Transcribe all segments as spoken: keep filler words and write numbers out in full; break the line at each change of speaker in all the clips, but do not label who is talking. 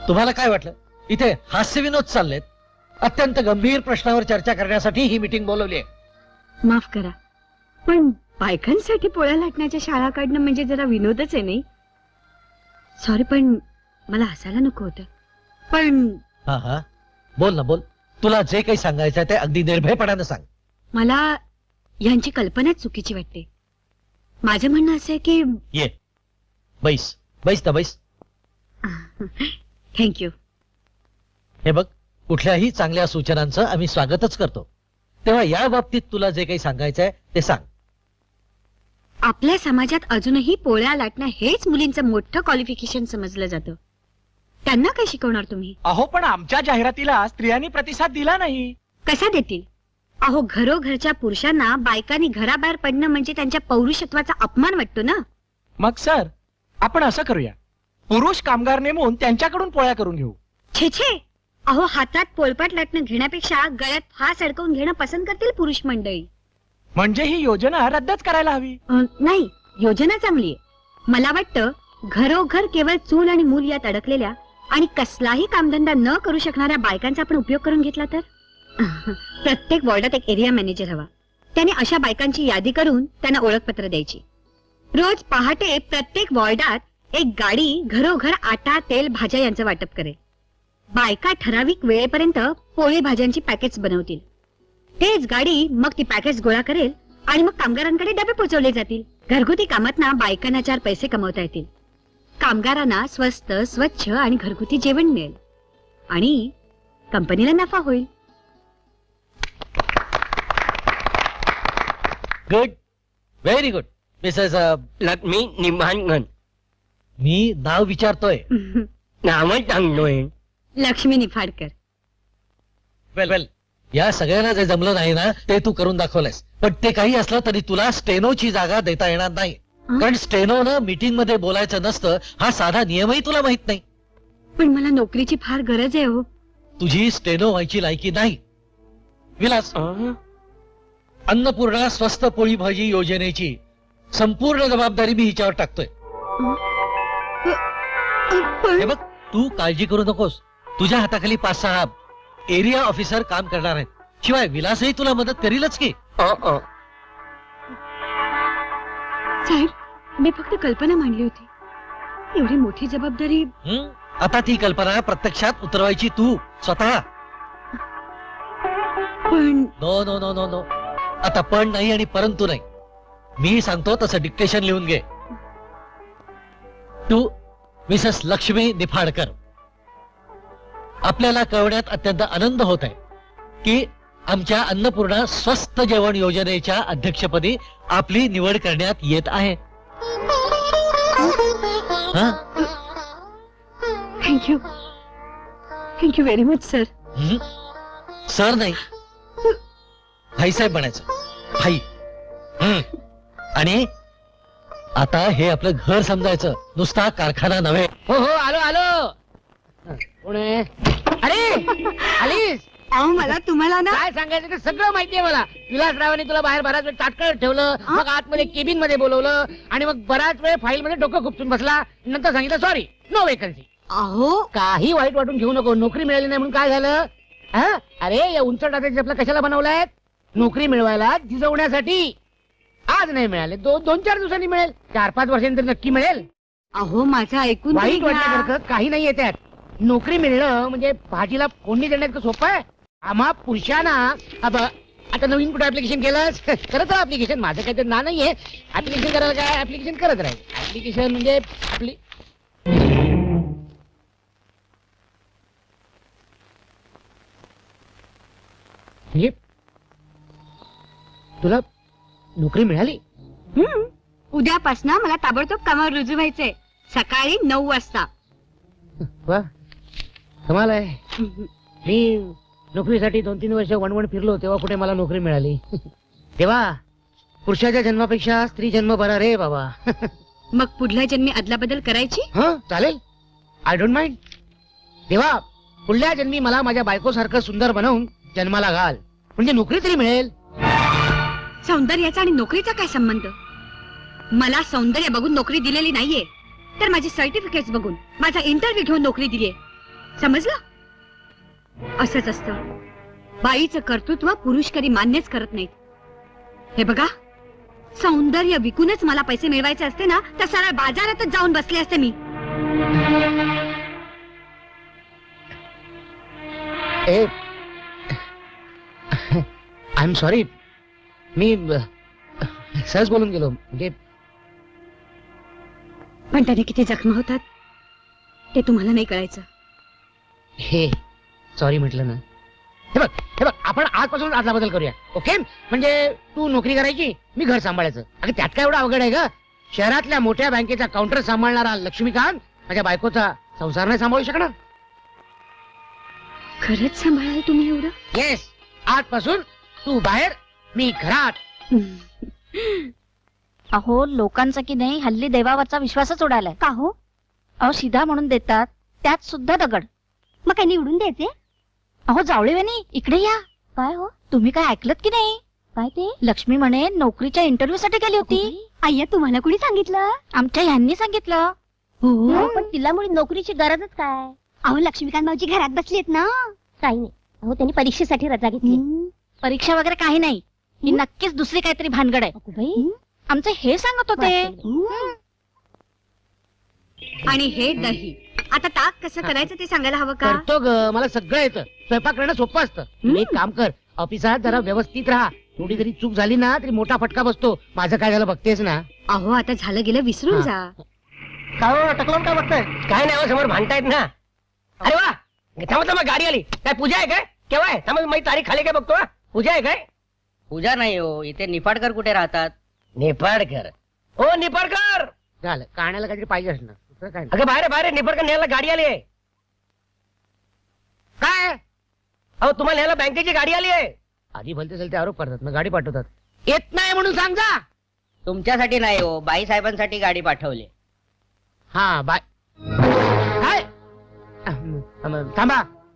तुम्हाला काय वाटलं इथे हास्यविनोद चाललेत? अत्यंत गंभीर प्रश्नावर चर्चा करण्यासाठी ही मीटिंग बोलवली आहे.
माफ करा, पण बायकांसाठी पोळ्या लाटण्याच्या शाळा काढणं म्हणजे जरा विनोदच आहे नाही? सॉरी, पण मला हसायला नको होतं. पण
हा हा बोल ना बोल. तुला जे काही सांगायचं ते अगदी निर्भयपणानं सांग.
मला यांची कल्पनाच चुकीची वाटते. माझं म्हणणं असं आहे की
ये बैस बैस ना बैस.
थँक्यू.
हे बघ, कुठल्याही चांगल्या सूचनांचं आम्ही स्वागतच करतो. तेव्हा या बाबतीत तुला जे काही सांगायचंय ते सांग.
आपल्या समाजात अजूनही पोळ्या लाटणं हेच मुलींचं मोठं क्वालिफिकेशन समजलं जातं. त्यांना काय शिकवणार तुम्ही?
अहो, पण आमच्या जाहिरातीला स्त्रियांनी प्रतिसाद दिला नाही.
कसा देतील? अहो, घरोघरच्या पुरुषांना बायकांनी घराबाहेर पडणं म्हणजे त्यांच्या पौरुषत्वाचा अपमान वाटतो ना.
मग सर, आपण असं करूया, पुरुष कामगार नेमून त्यांच्याकडून पोळ्या करून घेऊ.
छे छे, अहो, हातात पोळपाट लाटणं घेण्यापेक्षा गळ्यात फास अडकवून घेणं पसंत करतील पुरुष मंडळी.
म्हणजे ही योजना रद्दच करायला हवी.
अं, नाही, योजना चांगली आहे. मला वाटतं घरोघर केवळ चूल आणि मूल यात अडकलेल्या आणि कसलाही कामधंदा न करू शकणाऱ्या बायकांचा आपण उपयोग करून घेतला तर. प्रत्येक वॉर्डात एक एरिया मॅनेजर हवा. त्याने अशा बायकांची यादी करून त्यांना ओळखपत्र द्यायची. रोज पहाटे प्रत्येक वॉर्डात एक गाडी घरोघर आटा, तेल, भाज्या यांचं वाटप करेल. बायका ठराविक वेळेपर्यंत पोळी भाज्यांची पॅकेट्स बनवतील. तेच गाडी मग ती पॅकेट्स गोळा करेल आणि मग कामगारांकडे डबे पोहोचवले जातील. घरगुती कामातना बायकांना चार पैसे कमवता येतील. कामगारांना स्वस्त, स्वच्छ आणि घरगुती जेवण मिळेल आणि कंपनीला नफा होईल.
Good, very good Mrs.
Lakshmi Nimbalkar.
मी नाव विचारतोय.
नावच सांगतोय.
लक्ष्मी निफाडकर.
वेल वेल, या सगळ्यांना जे जमलं नाही ना ते तू करून दाखवलंयस. पण ते काही असलं तरी तुला स्टेनोची जागा देता येणार नाही. कारण स्टेनोनं मीटिंग मध्ये बोलायचं नसतं हा साधा नियमही तुला माहित नाही.
पण मला नोकरीची फार गरज आहे हो.
तुझी स्टेनो व्हायची लायकी नाही. विलास, अन्नपूर्णा स्वस्त पोळी भाजी योजनेची संपूर्ण जबाबदारी मी हिच्यावर टाकतोय. हे बघ, तू काळजी करू नकोस. तुझ्या हाताखाली पाच सहा एरिया ऑफिसर काम करणार आहेत. शिवाय विलासही तुला मदत करीलच की.
साहेब, मी फक्त कल्पना मांडली होती. एवढी मोठी जबाबदारी.
हं? आता ती कल्पना प्रत्यक्षात उतरवायची तू स्वतः.
पण
no no no no no आता पण नाही आणि परंतु नाही. मी सांगतो तसं डिक्टेशन लिहून घे. तू मिसेस लक्ष्मी निफाडकर, आपल्याला कळवण्यात अत्यंत आनंद होत आहे की आमच्या अन्नपूर्णा स्वस्त जेवण योजनेच्या अध्यक्षपदी आपली निवड करण्यात येत आहे.
Thank you thank you very much sir.
Sir नाही, भाईसाहेब म्हणायचं. भाई. हं. आणि आता हे आपलं घर समजायचं, नुसता कारखाना नव्हे.
हो हो, आलो आलो. कोण आहे? अरे आलीस?
अहो, मला तुम्हाला ना
काय सांगायचं ते सगळं माहितीये मला. विलासरावांनी तुला बाहेर बराच वेळ ताटकळत ठेवलं, मग आतमध्ये केबिन मध्ये बोलवलं आणि मग बराच वेळ फाईल मध्ये डोकं खुपसून बसला. नंतर सांगितलं सॉरी, नो वेकन्सी.
अहो
काही वाईट वाटून घेऊ नको. नोकरी मिळाली नाही म्हणून काय झालं? हा? अरे या उंच टाकायचे आपला कशाला बनवलाय? नोकरी मिळवायला, झिजवण्यासाठी. आज नाही मिळाले, दोन दोन चार दिवसांनी मिळेल. चार पाच वर्षांनी नक्की मिळेल.
अहो माझं ऐकून तरी
वाईट
घ्या.
वाटण्यासारखं काही नाही त्यात. नोकरी मिळणं म्हणजे भाजीला फोडणी देण्यात सोपं आहे. आम्हा पुरुषांना अब आता नवीन कुठे ऍप्लिकेशन केलंस? करत राहा ऍप्लिकेशन. माझं काही ना नाहीये. ऍप्लिकेशन करायला काय, ऍप्लिकेशन करत राहील. ऍप्लिकेशन म्हणजे आपली हे तुला नोकरी मिळाली?
हम्म. उद्यापासून मला ताबडतोब कामावर रुजू व्हायचंय. सकाळी नऊ वाजता.
वा, कमाल आहे. मी नोकरीसाठी दोन तीन वर्ष वणवण फिरलो तेव्हा कुठे मला नोकरी मिळाली. तेव्हा पुरुषाच्या जन्मापेक्षा स्त्री जन्म बरा रे बाबा.
मग पुढल्या जन्मी अदलाबदल करायची?
हा चालेल, आय डोंट माइंड. तेव्हा पुढल्या जन्मी मला माझ्या बायको सारखं सुंदर बनवून जन्माला घाल, म्हणजे नोकरी तरी मिळेल.
सौंदर्याचा आणि नोकरीचा काय संबंध? मला सौंदर्य बघून नोकरी दिलेली नाहीये, तर माझे सर्टिफिकेट्स बघून, माझा इंटरव्ह्यू घेऊन नोकरी दिलीये. समजलं? असंच असतं. बाईचं कर्तृत्व पुरुष कधी मान्यच करत नाहीत. हे बघा, सौंदर्य विकूनच मला पैसे मिळवायचे असते ना, तर सरळ बाजारातच जाऊन बसले असते मी.
आय एम सॉरी, मी अ, सहज बोलून गेलो. म्हणजे
पण त्याने किती जखमा होतात ते तुम्हाला नाही कळायचं.
हे सॉरी म्हटलं ना. हे बघ हे बघ आपण आजपासून आदला बदल करूया, ओके? म्हणजे तू नोकरी करायची, मी घर सांभाळायचं. अगं त्यात काय एवढं अवघड आहे ग? शहरातल्या मोठ्या बँकेचा काउंटर सांभाळणारा लक्ष्मीकांत माझ्या बायकोचा संसार नाही सांभाळू शकणार.
खरंच सांभाळाल तुम्ही एवढं?
येस, आजपासून तू बाहेर, मी घरात.
अहो लोकांचा की नाही हल्ली देवावरचा विश्वासच उडालाय.
का हो?
अहो शिधा म्हणून देतात, त्यात सुद्धा दगड.
मग काही निवडून द्यायचे?
अहो जावळेवानी इकडे या. काय हो, तुम्ही काय ऐकलत की नाही? काय ते? लक्ष्मी म्हणे नोकरीच्या इंटरव्ह्यू साठी गेली होती.
आय्या, तुम्हाला कुणी सांगितलं?
आमच्या ह्यांनी सांगितलं.
हो,
पण तिला मुळे नोकरीची गरजच काय?
अहो लक्ष्मीकांत भाऊजी घरात बसलीत ना.
काही नाही. अहो त्यांनी परीक्षेसाठी रजा घेतली. परीक्षा वगैरे काही नाही, ही नक्कीच दुसरी काहीतरी भानगड आहे. आमचे हे सांगत होते.
आणि हे दही, आता ताक कसं करायचं ते सांगायला हवं का?
करतो ग, मला सगळं येतं. स्वयंपाक करणं सोपं असतं. तुम्ही एक काम कर, ऑफिसात जरा व्यवस्थित राहा. थोडी जरी चूक झाली ना तरी मोठा फटका बसतो. माझं काय झालं बघतेस ना.
अहो आता झालं गेलं विसरून
हा.
जा.
काय टकलून काय बघताय?
काय नाही हो, समोर भांडतायत ना. अरे वा, थांबा थांबा, गाडी आली. काय पूजा आहे काय? केव्हा आहे? थांबा, माझी तारीख खाली काय बघतो. हा. पूजा आहे काय?
पूजा नाही हो, इथे निफाडकर कुठे राहतात?
निफाडकर? ओ निफाडकर,
झालं, कानाला काहीतरी पाहिजे असणार. दुसरं काय नाही.
अगं बाहेर बाहेर निफाडकर न्यायला गाडी आली आहे.
काय
अहो तुम्हाला न्यायला बँकेची गाडी आली आहे.
आधी भलते चलते आरोप करतात ना, गाडी पाठवतात. येत नाही म्हणून सांग जा.
तुमच्यासाठी नाही हो, बाई साहेबांसाठी गाडी पाठवली.
हा बाय. काय अहं, अहं, थांबा.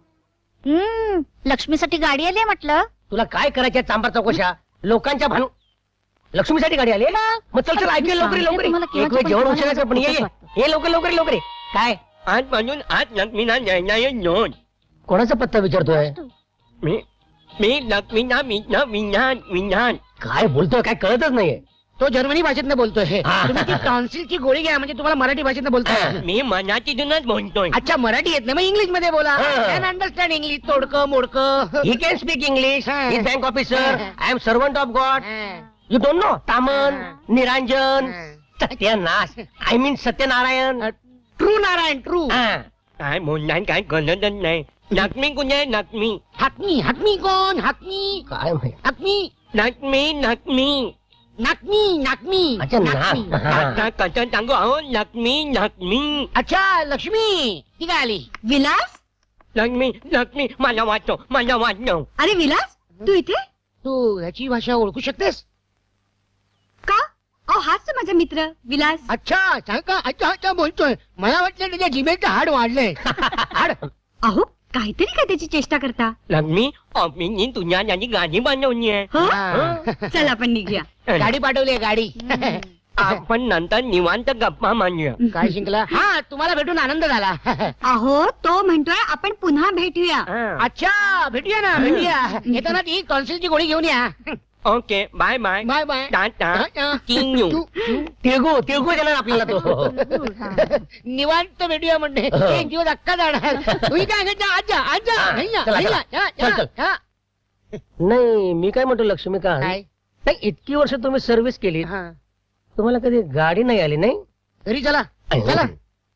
हम्म लक्ष्मीसाठी गाडी आली म्हटलं.
तुला काय करायचे चांबार चौकशा? लोकांच्या भानू लक्ष्मीसाठी गाडी आली आहे? मग चल चल ऐकूया लवकर लवकर.
तुम्हाला केव्हाचं
एक वेळ
पण
जेवण
तुम्हाला
उशिराचं पण ये ये.
वाटतं.
ये लवकर लवकर लवकर ये. काय आज म्हणून आज लक्ष्मीना नोंद. कोणाचा पत्ता विचारतोय? मी मी लक्ष्मीना विज्ञान विज्ञान विज्ञान. काय बोलतोय काय कळतच नाहीये.
तो जर्मनी भाषेतनं बोलतोय. हे
हा.
तुम्ही ती टॉन्सिलची गोळी घ्या, म्हणजे तुम्हाला मराठी भाषेतनं बोलतोय.
मी मनाची जुनच बोलतोय.
अच्छा, मराठी येत नाही, मग इंग्लिश मध्ये बोला.
हा.
कॅन अंडरस्टँड इंग्लिश, तोडकं मोडकं.
He can speak English.
हा.
He is bank officer.
हा.
I am servant of God.
हा.
You don't know? तामन,
हा.
निरांजन,
हा.
सत्यनाश. I mean Satyanarayan.
True Narayan, true.
हा. काय बोलणार काय कळतच नाही. लक्ष्मी कुठे लक्ष्मी?
हाकमी, हाकमी कोण? हाकमी,
काय माहित?
हाकमी,
लक्ष्मी लक्ष्मी.
नाकमी, नाकमी.
अच्छा
नाकमी.
ना. आता कसं सांगू अहो लक्ष्मी लक्ष्मी.
अच्छा, लक्ष्मी ती काय आली?
विलास,
लक्ष्मी लक्ष्मी मला वाचव मला वाचव.
अरे विलास, तू इथे
तू ह्याची भाषा ओळखू शकतेस?
का? अहो हाच तर माझा मित्र विलास.
अच्छा, सांग का? अच्छा अच्छा बोलतोय. मला वाटलं त्याच्या जिभेचं हाड वाढलंय. हाड.
अहो काहीतरी काय त्याची चेष्टा करता.
लक्ष्मी ऑफिसनी तुझ्या त्याची गाडी बनवली आहे.
हो?
हा.
चल आपण निघूया.
गाडी पाठवली गाडी.
आपण नंतर निवांत गप्पा मांडूया.
काय शिंकला? हा, तुम्हाला भेटून आनंद झाला.
अहो तो म्हणतोय आपण पुन्हा भेटूया.
हा.
अच्छा, भेटूया ना, भेटूया. येताना ती टॉन्सिलची गोळी घेऊन या.
Okay bye bye.
Bye bye.
Tata.
Tata.
किंग
तू- तू-
तिळगू तिळगू देणार आपल्याला तो.
निवांत भेटूया म्हणणे.
हो.
एक दिवस अक्का जाणार. तुम्ही काय सांगता? आजा आजा.
हा,
नाही ना,
चला,
नाही
चला.
ना. या,
चल,
या,
चल.
या.
नाही मी काय म्हणतो लक्ष्मीकांत,
काय?
नाही इतकी वर्ष तुम्ही सर्व्हिस केली,
हा.
तुम्हाला कधी गाडी नाही आली नाही?
घरी चला चला.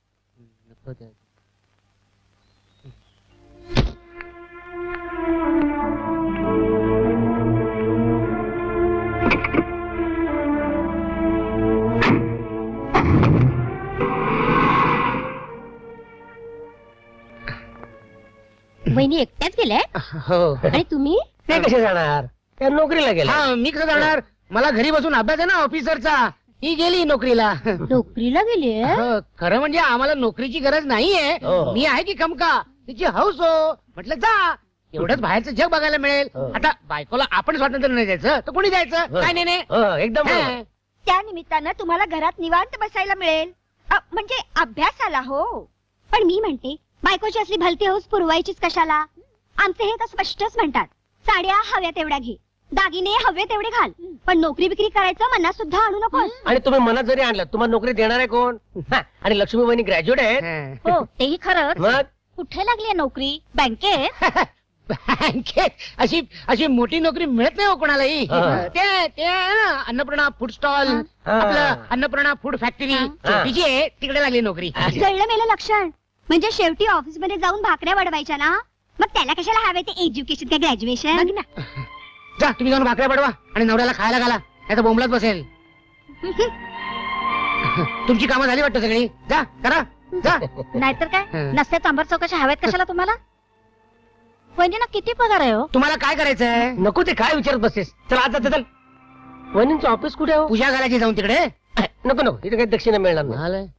वहिनी एकट्याच गेल्या
हो.
आणि तुम्ही?
ते कसे जाणार? त्या नोकरीला गेला.
हा, मी कसं जाणार? मला घरी बसून अभ्यास आहे ना ऑफिसरचा. ही गेली नोकरीला.
नोकरीला गेली
हो, खरं म्हणजे आम्हाला नोकरीची गरज नाहीये.
हो.
मी आहे की खमका. तिची हौस हो. म्हटलं जा, एवढंच बाहेरचं जग बघायला मिळेल.
हो.
आता बायकोला आपण स्वातंत्र्य नाही द्यायचं तर कोणी द्यायचं?
हो.
काय नाही नाही.
हो, एकदम बरोबर.
हा.
त्या निमित्तानं तुम्हाला घरात निवांत बसायला मिळेल. अ, म्हणजे अभ्यासाला हो. पण मी म्हणते बायकोची असली भलती हौस पुरवायचीच कशाला? आमचे हे तर स्पष्टच म्हणतात, साड्या हव्या तेवढ्या घे, दागिने हवे तेवढे घाल, पण नोकरी बिक्री करायचं मनात सुद्धा आणू नकोस.
आणि तुम्ही मनात जरी आणलं तुम्हाला नोकरी देणार आहे कोण? हा, आणि लक्ष्मी बहिणी ग्रॅज्युएट आहेत.
हं.
हो तेही खरंच.
मग
कुठे लागली नोकरी? बँकेत?
बँकेत अशी अशी मोठी नोकरी मिळत नाही हो कोणालाही.
हा.
ते ते आहे ना अन्नपूर्णा फूड स्टॉल,
हा.
आपलं अन्नपूर्णा फूड फॅक्टरी
हा.
छोटीची आहे, तिकडे लागली नोकरी.
कळलं मेलं लक्षण. म्हणजे शेवटी ऑफिस मध्ये जाऊन भाकऱ्या वाढवायच्या ना, मग त्याला कशाला हवे ते एज्युकेशन का ग्रॅज्युएशन?
जा तुम्ही जाऊन भाकऱ्या पाडवा आणि नवऱ्याला खायला घाला, नाही तर बोंबलत बसेल. तुमची कामं झाली वाटतं सगळी, जा करा जा.
नाहीतर काय,
हं.
नसत्या चांभार चौकशा हव्यात कशाला तुम्हाला? वहिनीला किती पगार आहे हो?
तुम्हाला काय करायचंय?
नको ते काय विचारत बसतेस. चल आज चल. वहिनींचं ऑफिस कुठे आहे हो?
पूजा घालायची जाऊन तिकडे.
नको नको इथे काही दक्षिणा मिळणार नाही.
झालं.